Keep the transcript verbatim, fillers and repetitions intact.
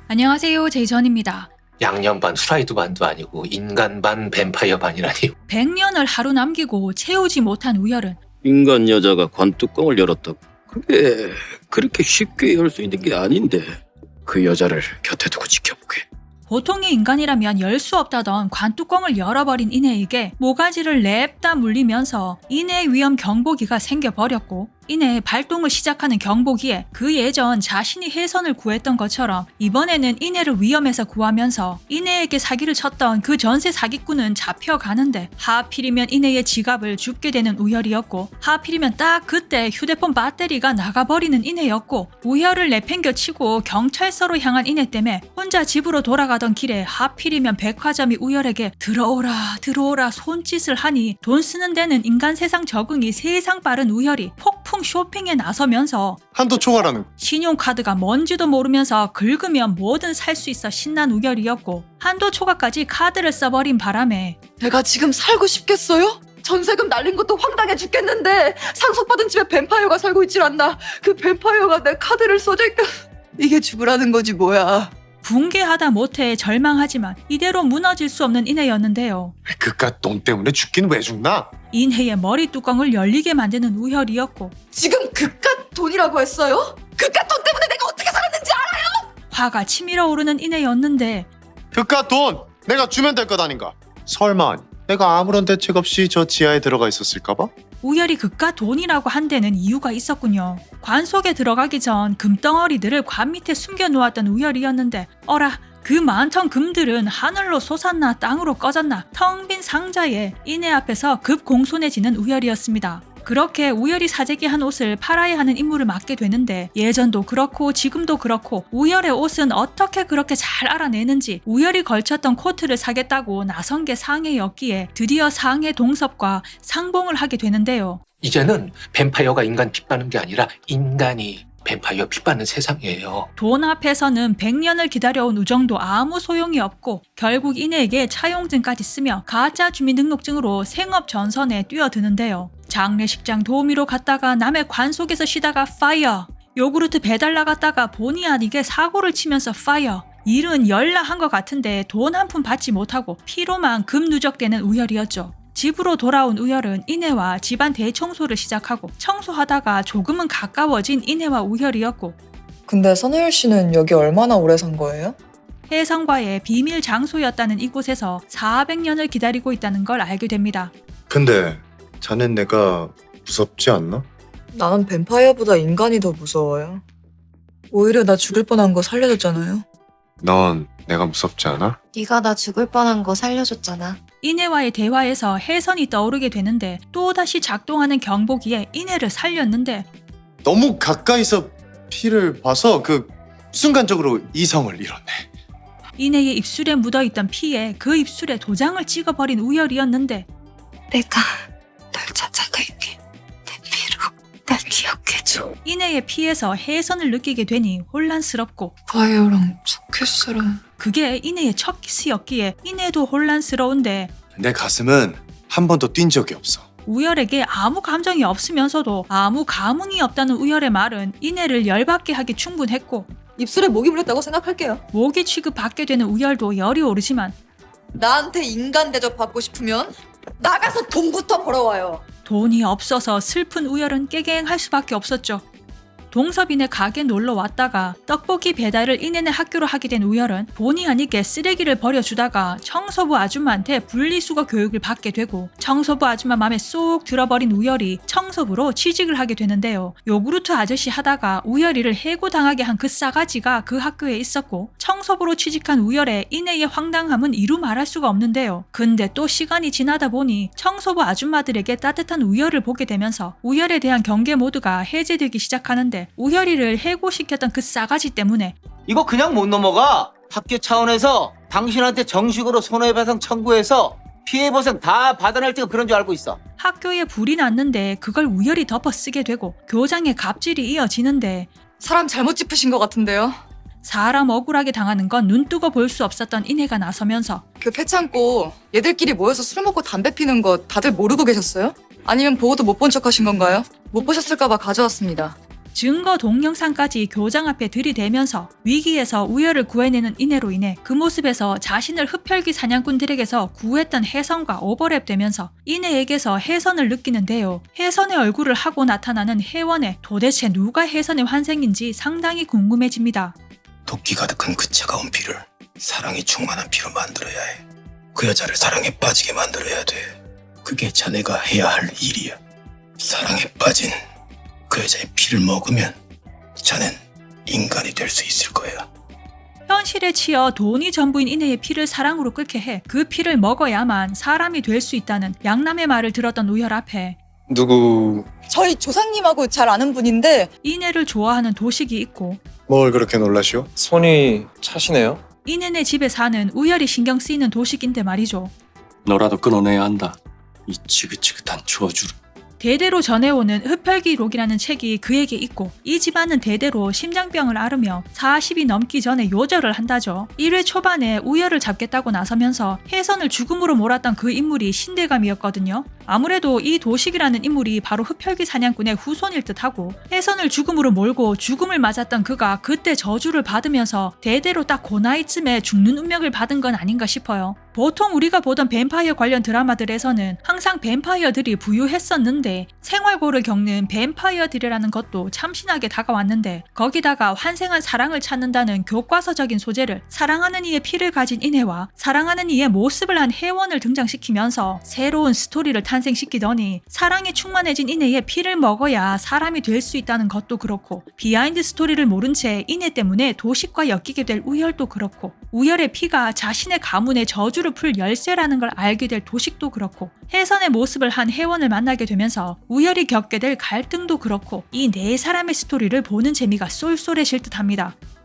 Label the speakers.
Speaker 1: 안녕하세요, 제이전입니다.
Speaker 2: 양념 반 후라이드 반도 아니고 인간 반 뱀파이어 반이라니.
Speaker 1: 백 년을 하루 남기고 채우지 못한 우열은
Speaker 3: 인간 여자가 관뚜껑을 열었다고? 그게 그렇게 쉽게 열 수 있는 게 아닌데. 그 여자를 곁에 두고 지켜보게.
Speaker 1: 보통의 인간이라면 열 수 없다던 관뚜껑을 열어버린 이내에게 모가지를 냅다 물리면서 이내 위험 경보기가 생겨버렸고, 이내 발동을 시작하는 경보기에 그 예전 자신이 혜선을 구했던 것처럼 이번에는 이내를 위험에서 구하면서 이내에게 사기를 쳤던 그 전세 사기꾼은 잡혀가는데, 하필이면 이내의 지갑을 줍게 되는 우열이었고, 하필이면 딱 그때 휴대폰 배터리가 나가버리는 이내였고, 우열을 내팽겨치고 경찰서로 향한 이내 때문에 혼자 집으로 돌아가던 길에 하필이면 백화점이 우열에게 들어오라 들어오라 손짓을 하니 돈 쓰는 데는 인간 세상 적응이 세상 빠른 우열이 폭풍 쇼핑에 나서면서
Speaker 4: 한도 초과라는
Speaker 1: 신용카드가 뭔지도 모르면서 긁으면 뭐든 살 수 있어 신난 우열이었고, 한도 초과까지 카드를 써버린 바람에
Speaker 5: 내가 지금 살고 싶겠어요? 전세금 날린 것도 황당해 죽겠는데 상속받은 집에 뱀파이어가 살고 있질 않나. 그 뱀파이어가 내 카드를 써줄까. 이게 죽으라는 거지 뭐야.
Speaker 1: 붕괴하다 못해 절망하지만 이대로 무너질 수 없는 이내였는데요.
Speaker 4: 그깟 돈 때문에 죽긴 왜 죽나?
Speaker 1: 인해의 머리 뚜껑을 열리게 만드는 우열이었고,
Speaker 5: 지금 그깟 돈이라고 했어요? 그깟 돈 때문에 내가 어떻게 살았는지 알아요?
Speaker 1: 화가 치밀어 오르는 이내였는데
Speaker 4: 그깟 돈 내가 주면 될 것 아닌가? 설마 내가 아무런 대책 없이 저 지하에 들어가 있었을까봐?
Speaker 1: 우열이 그깟 돈이라고 한 데는 이유가 있었군요. 관 속에 들어가기 전 금덩어리들을 관 밑에 숨겨놓았던 우열이었는데, 어라, 그 많던 금들은 하늘로 솟았나 땅으로 꺼졌나 텅 빈 상자에 이내 앞에서 급공손해지는 우열이었습니다. 그렇게 우열이 사재기 한 옷을 팔아야 하는 임무를 맡게 되는데, 예전도 그렇고 지금도 그렇고 우열의 옷은 어떻게 그렇게 잘 알아내는지 우열이 걸쳤던 코트를 사겠다고 나선 게 상해였기에 드디어 상해 동섭과 상봉을 하게 되는데요.
Speaker 2: 이제는 뱀파이어가 인간 핏바는 게 아니라 인간이 뱀파이어 핏바는 세상이에요.
Speaker 1: 돈 앞에서는 백 년을 기다려온 우정도 아무 소용이 없고, 결국 이내에게 차용증까지 쓰며 가짜 주민등록증으로 생업 전선에 뛰어드는데요. 장례식장 도우미로 갔다가 남의 관 속에서 쉬다가 파이어, 요구르트 배달 나갔다가 본의 아니게 사고를 치면서 파이어. 일은 열나 한 것 같은데 돈 한 푼 받지 못하고 피로만 금 누적되는 우열이었죠. 집으로 돌아온 우열은 이내와 집안 대청소를 시작하고, 청소하다가 조금은 가까워진 이내와 우열이었고,
Speaker 6: 근데 선우열 씨는 여기 얼마나 오래 산 거예요?
Speaker 1: 혜성과의 비밀 장소였다는 이곳에서 사백 년을 기다리고 있다는 걸 알게 됩니다.
Speaker 4: 근데 자넨 내가 무섭지 않나?
Speaker 6: 나는 뱀파이어보다 인간이 더 무서워요. 오히려 나 죽을 뻔한 거 살려줬잖아요.
Speaker 4: 넌 내가 무섭지 않아?
Speaker 7: 네가 나 죽을 뻔한 거 살려줬잖아.
Speaker 1: 이내와의 대화에서 혜선이 떠오르게 되는데, 또다시 작동하는 경보기에 이내를 살렸는데
Speaker 4: 너무 가까이서 피를 봐서 그 순간적으로 이성을 잃었네.
Speaker 1: 이내의 입술에 묻어있던 피에 그 입술에 도장을 찍어버린 우열이었는데,
Speaker 7: 내가 널 찾아갈게. 내 피로 날 기억해줘.
Speaker 1: 이내의 피에서 혜선을 느끼게 되니 혼란스럽고,
Speaker 6: 파이어랑 첫 키스랑
Speaker 1: 그게 이내의 첫 키스였기에 이내도 혼란스러운데,
Speaker 4: 내 가슴은 한 번도 뛴 적이 없어.
Speaker 1: 우열에게 아무 감정이 없으면서도 아무 감흥이 없다는 우열의 말은 이내를 열받게 하기 충분했고,
Speaker 5: 입술에 목이 물렸다고 생각할게요.
Speaker 1: 모기 취급받게 되는 우열도 열이 오르지만
Speaker 5: 나한테 인간 대접 받고 싶으면 나가서 돈부터 벌어와요.
Speaker 1: 돈이 없어서 슬픈 우열은 깨갱할 수밖에 없었죠. 동섭이네 가게 놀러 왔다가 떡볶이 배달을 이내네 학교로 하게 된 우열은 본의 아니게 쓰레기를 버려주다가 청소부 아줌마한테 분리수거 교육을 받게 되고, 청소부 아줌마 맘에 쏙 들어버린 우열이 청소부로 취직을 하게 되는데요. 요구르트 아저씨 하다가 우열이를 해고당하게 한 그 싸가지가 그 학교에 있었고, 청소부로 취직한 우열의 이내의 황당함은 이루 말할 수가 없는데요. 근데 또 시간이 지나다 보니 청소부 아줌마들에게 따뜻한 우열을 보게 되면서 우열에 대한 경계 모드가 해제되기 시작하는데, 우열이를 해고시켰던 그 싸가지 때문에
Speaker 8: 이거 그냥 못 넘어가. 학교 차원에서 당신한테 정식으로 손해배상 청구해서 피해보상 다 받아낼 때가 그런 줄 알고 있어.
Speaker 1: 학교에 불이 났는데 그걸 우열이 덮어쓰게 되고, 교장의 갑질이 이어지는데
Speaker 6: 사람 잘못 짚으신 것 같은데요?
Speaker 1: 사람 억울하게 당하는 건 눈뜨고 볼 수 없었던 이내가 나서면서
Speaker 6: 그 폐창고 얘들끼리 모여서 술 먹고 담배 피는 거 다들 모르고 계셨어요? 아니면 보고도 못 본 척 하신 건가요? 못 보셨을까 봐 가져왔습니다.
Speaker 1: 증거 동영상까지 교장 앞에 들이대면서 위기에서 우열을 구해내는 이내로 인해 그 모습에서 자신을 흡혈귀 사냥꾼들에게서 구했던 혜선과 오버랩되면서 이내에게서 혜선을 느끼는데요. 혜선의 얼굴을 하고 나타나는 혜원에 도대체 누가 혜선의 환생인지 상당히 궁금해집니다.
Speaker 9: 도끼 가득한 그 차가운 피를 사랑이 충만한 피로 만들어야 해. 그 여자를 사랑에 빠지게 만들어야 돼. 그게 자네가 해야 할 일이야. 사랑에 빠진 그 여자의 피를 먹으면 자넨 인간이 될 수 있을 거야.
Speaker 1: 현실에 치여 돈이 전부인 이내의 피를 사랑으로 끓게 해 그 피를 먹어야만 사람이 될 수 있다는 양남의 말을 들었던 우열 앞에
Speaker 4: 누구
Speaker 6: 저희 조상님하고 잘 아는 분인데
Speaker 1: 이내를 좋아하는 도식이 있고
Speaker 4: 뭘 그렇게 놀라시오?
Speaker 10: 손이 차시네요.
Speaker 1: 이내네 집에 사는 우열이 신경 쓰이는 도식인데 말이죠.
Speaker 3: 너라도 끊어내야 한다. 이 지긋지긋한 저주를.
Speaker 1: 대대로 전해오는 흡혈귀록이라는 책이 그에게 있고 이 집안은 대대로 심장병을 앓으며 사십이 넘기 전에 요절을 한다죠. 일 회 초반에 우열을 잡겠다고 나서면서 혜선을 죽음으로 몰았던 그 인물이 신대감이었거든요. 아무래도 이 도식이라는 인물이 바로 흡혈귀 사냥꾼의 후손일 듯하고 혜선을 죽음으로 몰고 죽음을 맞았던 그가 그때 저주를 받으면서 대대로 딱 그 나이쯤에 죽는 운명을 받은 건 아닌가 싶어요. 보통 우리가 보던 뱀파이어 관련 드라마들에서는 항상 뱀파이어들이 부유했었는데 생활고를 겪는 뱀파이어들이라는 것도 참신하게 다가왔는데 거기다가 환생한 사랑을 찾는다는 교과서적인 소재를 사랑하는 이의 피를 가진 이내와 사랑하는 이의 모습을 한 혜원을 등장시키면서 새로운 스토리를 탄생시키더니 사랑에 충만해진 이내의 피를 먹어야 사람이 될 수 있다는 것도 그렇고 비하인드 스토리를 모른 채 이내 때문에 도식과 엮이게 될 우열도 그렇고 우열의 피가 자신의 가문의 저주를 풀 열쇠라는 걸 알게 될 도식도 그렇고 혜선의 모습을 한 혜원을 만나게 되면서 우열이 겪게 될 갈등도 그렇고 이 네 사람의 스토리를 보는 재미가 쏠쏠해질 듯합니다.